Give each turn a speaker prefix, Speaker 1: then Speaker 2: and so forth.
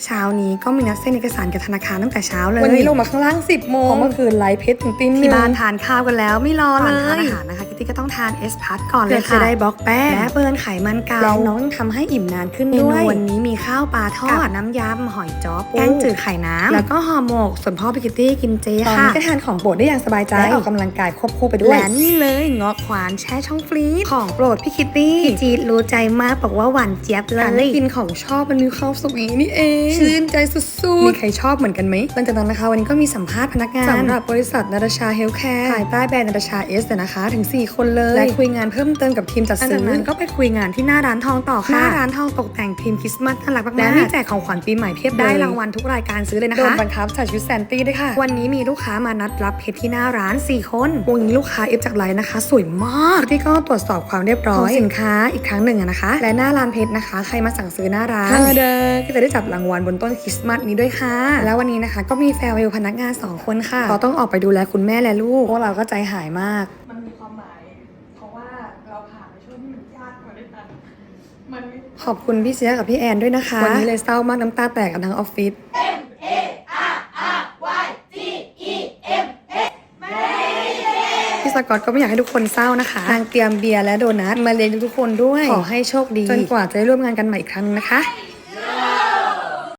Speaker 1: เช้านี้ก็มีนัดเซ็นเอกสารกับธนาคารตั้งแต่เช้าเลย
Speaker 2: วันนี้ลงมาข้างล่าง10 โมงเมื่อคืนไลฟ์เพชรถึงตี
Speaker 1: ที่บ้านทานข้าวกันแล้วไม่รอเลย
Speaker 2: ทานอา
Speaker 1: อา
Speaker 2: หา
Speaker 1: หาร รนะคะคิตตี้ก็ต้องทานเอสพัทก่อนเลย
Speaker 2: เพื่อจะ
Speaker 1: ค่ะ
Speaker 2: ได้บล็อกแป้ง
Speaker 1: และเบิร์นไขมันเก่า
Speaker 2: และน้องทำให้อิ่มนานขึ้น
Speaker 1: เมนู
Speaker 2: ด้วย
Speaker 1: วันนี้มีข้าวปลาทอดน้ำยำหอยจ้อปูแกงจืดไข่น้ำ
Speaker 2: แล้
Speaker 1: แล้ว
Speaker 2: ว
Speaker 1: ก็ห่อหมกส่วนพ่อพี่คิตตี้กินเจ
Speaker 2: ตอน
Speaker 1: ค่ะ
Speaker 2: นี้ก็ทานของโปรดได้อย่างสบายใจและออกกำลังกายควบคู่ไปด้วย
Speaker 1: และนี่เลยเงาะขวานแช่ช่องฟรีซของโปรดพี่คิตตี้พี่จีดรู้ใจมากบอกว่าหวานเจี๊ยบเล
Speaker 2: การ
Speaker 1: ย
Speaker 2: ได้กินของชอบมันมีความสุขอย่างนี้นี่เองชื่นใจสุดๆมีใครชอบเหมือนกันไหม
Speaker 1: หลังจากนั้นนะคะวันนี้ก็มีสัมภาษณ์พนักงาน
Speaker 2: สำหรับบริษัทนาตาชาเฮลท์แคร์ภายใต้แบรนด์นาตาชาเอสนะคะถึง 4 คนเลย และคุยงานเพิ่มเติมกับทีมจัด
Speaker 1: หลัง
Speaker 2: ซื้
Speaker 1: จาก
Speaker 2: อ
Speaker 1: นั้นก็ไปคุยงานที่หน้าร้านทองต่อ
Speaker 2: ห
Speaker 1: ค่ะ
Speaker 2: น้า
Speaker 1: หน้า
Speaker 2: ร้า
Speaker 1: ร้าน นทองตกแต่งธีมคริสต์มาสน่ารักมากๆ
Speaker 2: และมีแจกของขวัญปีใหม่เพียบเลย
Speaker 1: ได้รางวัลทุกรายการซื้อเลยนะ
Speaker 2: โดน
Speaker 1: คะ
Speaker 2: บังคับใส่ชุดแซนตี้ด้วยค่ะ
Speaker 1: วันนี้มีลูกค้ามานัดรับเพชรที่หน้าร้าน 4 คนวันนี้ลูกค้าเอฟจากไลน์นะคะ สวยมากที่ก็ตรวจสอบความเรียบร้อยของสินค้าอีกครั้งหนึ่งนะคะ และหน้าร้านเพชรนะคะ ใครมาสั่งซื้อหน้าร้านก็จะได้จับรางวัลบนต้นคริสต์มาสนี้ด้วยค่ะ แล้ววันนี้นะคะก็มีแฟร์เวลพนักงาน 2 คนค่ะเขาต้องออกไปดูแลคุณแม่และลูกพวกเราก็ใจหายมาก
Speaker 2: มันมีความหมายเพราะว่าเราผ่านในช่วงที่มันยากมาด้วยกันมัน
Speaker 1: ขอบคุณพี่เสียกับพี่แอนด้วยนะคะ วันนี้เลยเศร้ามากน้ำตาแตกกันทั้งออฟฟิศพี่สกอตก็ไม่อยากให้ทุกคนเศร้านะคะนางเตรียมเบียร์และโดนัทมาเลี้ยงทุกคนด้วย ขอให้โชคดีจนกว่าจะได้ร่วมงานกันใหม่อีกครั้งนะคะ